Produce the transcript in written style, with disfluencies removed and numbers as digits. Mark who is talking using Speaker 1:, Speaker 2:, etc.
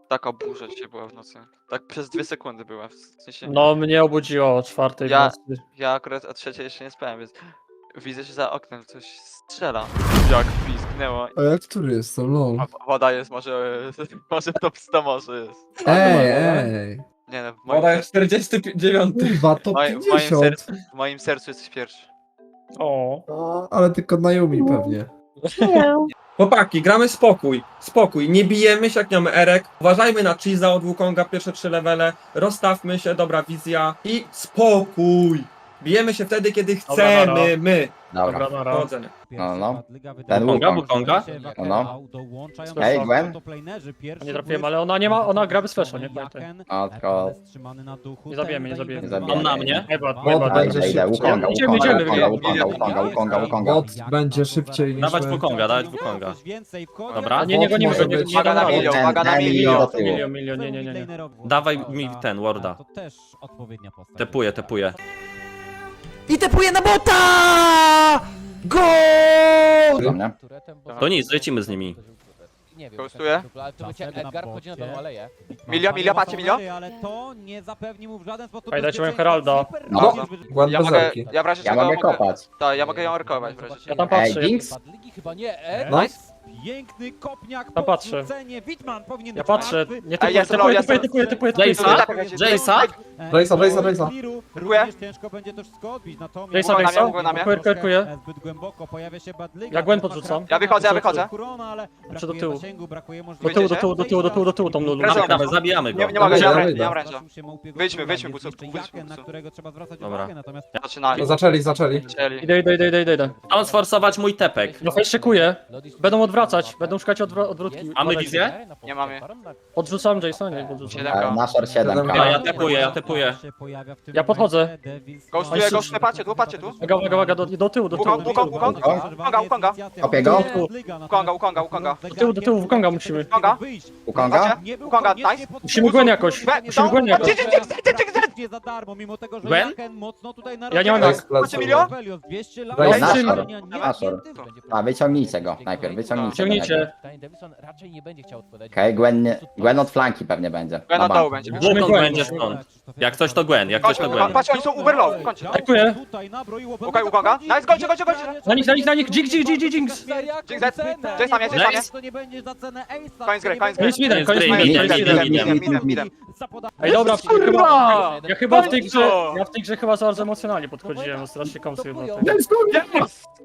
Speaker 1: Taka burza dzisiaj była w nocy. Tak przez 2 sekundy była, w sensie...
Speaker 2: No, mnie obudziło o 4 w
Speaker 1: Ja-
Speaker 2: nocy.
Speaker 1: Ja akurat o 3 jeszcze nie spałem, więc... Widzę, że za oknem coś strzela. Jak pisknęło.
Speaker 3: A ja który jestem, lol.
Speaker 1: A woda jest może... Może top 100 może jest.
Speaker 3: Ej.
Speaker 1: Nie no, w moim,
Speaker 4: Woda jest 49.
Speaker 3: Kurwa, to
Speaker 1: moim
Speaker 3: 50.
Speaker 1: w moim sercu jesteś pierwszy.
Speaker 2: O.
Speaker 3: O, ale tylko na Yumi pewnie.
Speaker 4: Chłopaki, gramy spokój. Spokój. Nie bijemy się jak nie mamy erek. Uważajmy na Cheese'a od Wukonga, pierwsze 3 levele. Rozstawmy się, dobra wizja. I spokój. Bijemy się wtedy, kiedy chcemy, my.
Speaker 2: Dobra, nara.
Speaker 4: Powodzenia.
Speaker 5: No. Ten
Speaker 6: Wukonga,
Speaker 5: Wukong.
Speaker 6: Wukonga?
Speaker 5: No.
Speaker 2: Ej,
Speaker 5: Ej, Gwen.
Speaker 2: Nie trafiłem, ale ona nie ma, ona gra bez flasha, nie pamiętaj.
Speaker 5: A, tylko...
Speaker 2: Nie zabijemy, nie zabijemy.
Speaker 5: Nie zabijemy.
Speaker 6: On na mnie.
Speaker 2: Najbad,
Speaker 3: Bot
Speaker 2: najbad.
Speaker 3: będzie
Speaker 5: Idę,
Speaker 3: szybciej.
Speaker 5: Wukonga,
Speaker 2: Idziemy,
Speaker 5: Wukonga,
Speaker 2: idziemy,
Speaker 5: Wukonga, Wukonga.
Speaker 3: Bot będzie szybciej niż
Speaker 6: Dawać
Speaker 3: my.
Speaker 6: Wukonga, dawać Wukonga. Dobra.
Speaker 2: A nie, nie gonimy
Speaker 3: Może
Speaker 2: go, nie
Speaker 3: być.
Speaker 2: nie
Speaker 1: Uwaga na
Speaker 2: damy
Speaker 1: milion,
Speaker 2: rady.
Speaker 1: uwaga na
Speaker 5: Ten
Speaker 1: milion.
Speaker 5: do tyłu.
Speaker 2: Milion, nie.
Speaker 6: Dawaj mi ten, warda.
Speaker 7: To też odpowiednia postać.
Speaker 6: Tepuję.
Speaker 8: I tepuje na bota! Gol!
Speaker 5: Za mnie.
Speaker 6: To nic, lecimy z nimi.
Speaker 7: Nie wiem,
Speaker 1: Ghostuję?
Speaker 7: ale to będzie Edgar wchodzi na tą aleję.
Speaker 1: Milia, patrzcie, Milia?
Speaker 7: Ale to nie zapewni mu w żaden sposób
Speaker 2: Ej, dajcie moją
Speaker 7: bezpieczeństwa.
Speaker 2: Heralda.
Speaker 7: Super
Speaker 5: No.
Speaker 7: dobrze, żeby-
Speaker 3: Gwen
Speaker 1: Ja
Speaker 3: bez
Speaker 1: mogę,
Speaker 3: erki.
Speaker 1: ja w razie
Speaker 5: Ja
Speaker 1: czego
Speaker 5: mogę
Speaker 1: mogę...
Speaker 5: kopać.
Speaker 1: Tak, ja mogę ją arkować w razie
Speaker 2: Ja
Speaker 1: czego.
Speaker 2: tam
Speaker 5: Ej,
Speaker 2: patrzę.
Speaker 5: Jinx?
Speaker 7: Badligi chyba nie, Ed.
Speaker 3: No.
Speaker 7: Piękny kopniak,
Speaker 2: Tam patrzę.
Speaker 7: podrzucenie. Witman powinien
Speaker 2: Ja
Speaker 7: być
Speaker 2: patrzę,
Speaker 7: martwy.
Speaker 2: nie
Speaker 1: Ej, jestem low, jestem-
Speaker 2: typuję.
Speaker 6: Jace'a? Jace'a?
Speaker 3: Raisa.
Speaker 7: Również ciężko będzie to wszystko odbić, natomiast...
Speaker 2: Jace'a,
Speaker 1: Uwaga na mnie,
Speaker 2: Jace'a.
Speaker 1: uwaga na mnie.
Speaker 2: Kwerkuję.
Speaker 7: Zbyt głęboko pojawia się Badliga.
Speaker 2: Ja Gwen podrzucam.
Speaker 1: Ja wychodzę.
Speaker 7: Kurona, ale
Speaker 2: Znaczy do
Speaker 7: brakuje
Speaker 2: tyłu.
Speaker 7: zasięgu, brakuje
Speaker 2: Do
Speaker 7: możliwości.
Speaker 2: tyłu, tą lulu.
Speaker 1: Wracam.
Speaker 6: Dawaj, zabijamy go.
Speaker 1: Nie mogę, nie mam
Speaker 3: Dobra.
Speaker 1: ręcza. Wyjdźmy, bucu,
Speaker 7: Na którego trzeba zwracać
Speaker 6: Dobra.
Speaker 7: uwagę, natomiast...
Speaker 1: Zaczynali.
Speaker 3: No, zaczęli.
Speaker 1: Chcieli.
Speaker 2: Idę.
Speaker 6: Mam sforsować mój tepek.
Speaker 2: No fajnie szykuję. Będą odwracać, będą szukać odwrótki.
Speaker 6: A my wizję?
Speaker 1: Nie mamy.
Speaker 2: Podrzucam Jace'a, nie podrzucam.
Speaker 1: 7K.
Speaker 5: Na short 7.
Speaker 6: Ja tepuję.
Speaker 2: Ja podchodzę.
Speaker 1: Ghostuję, patrzcie tu.
Speaker 2: Uwaga, do tyłu.
Speaker 1: Ukonga.
Speaker 5: Kopię go.
Speaker 1: Ukonga.
Speaker 2: Do tyłu, Wukonga musimy.
Speaker 5: Wukonga?
Speaker 1: Ukonga, nice.
Speaker 2: Musimy Gwen jakoś. Musimy Gwen jakoś.
Speaker 7: Nie za darmo, mimo tego, że
Speaker 6: Gwen?
Speaker 7: Jaken mocno tutaj
Speaker 2: Ja nie mam
Speaker 3: Nice,
Speaker 2: jak.
Speaker 3: plecy.
Speaker 1: Milion?
Speaker 7: 200 lat.
Speaker 3: Daj
Speaker 5: Nashor.
Speaker 7: Nie
Speaker 5: Nashor.
Speaker 7: zamknięty.
Speaker 5: A, wyciągnijcie go. Najpierw wyciągnijcie go.
Speaker 2: Ciągnijcie.
Speaker 7: Davison raczej nie będzie chciał odpowiadać.
Speaker 5: Okej, Gwen od flanki pewnie będzie.
Speaker 1: Gwen
Speaker 5: Na
Speaker 1: od dołu
Speaker 5: bank.
Speaker 1: będzie.
Speaker 2: Musimy
Speaker 6: Wukong
Speaker 2: Gwen.
Speaker 6: będzie stąd. Jak coś to Gwen, jak coś to Gwen.
Speaker 1: Patrz, oni są uber low, kończę.
Speaker 2: Dziękuję.
Speaker 1: Okej, Ukonga. Nice, gońcie.
Speaker 2: Na nich, Jinx.
Speaker 1: Jinx, Jace na mnie.
Speaker 7: To nie będzie za cenę Ace'a.
Speaker 1: Koniec gry.
Speaker 2: Koniec midem.
Speaker 1: Midem.
Speaker 2: Ej, dobra,
Speaker 1: Kurwa!
Speaker 2: ja chyba w tej grze chyba za bardzo emocjonalnie podchodziłem, strasznie komsy chyba.
Speaker 3: Jest,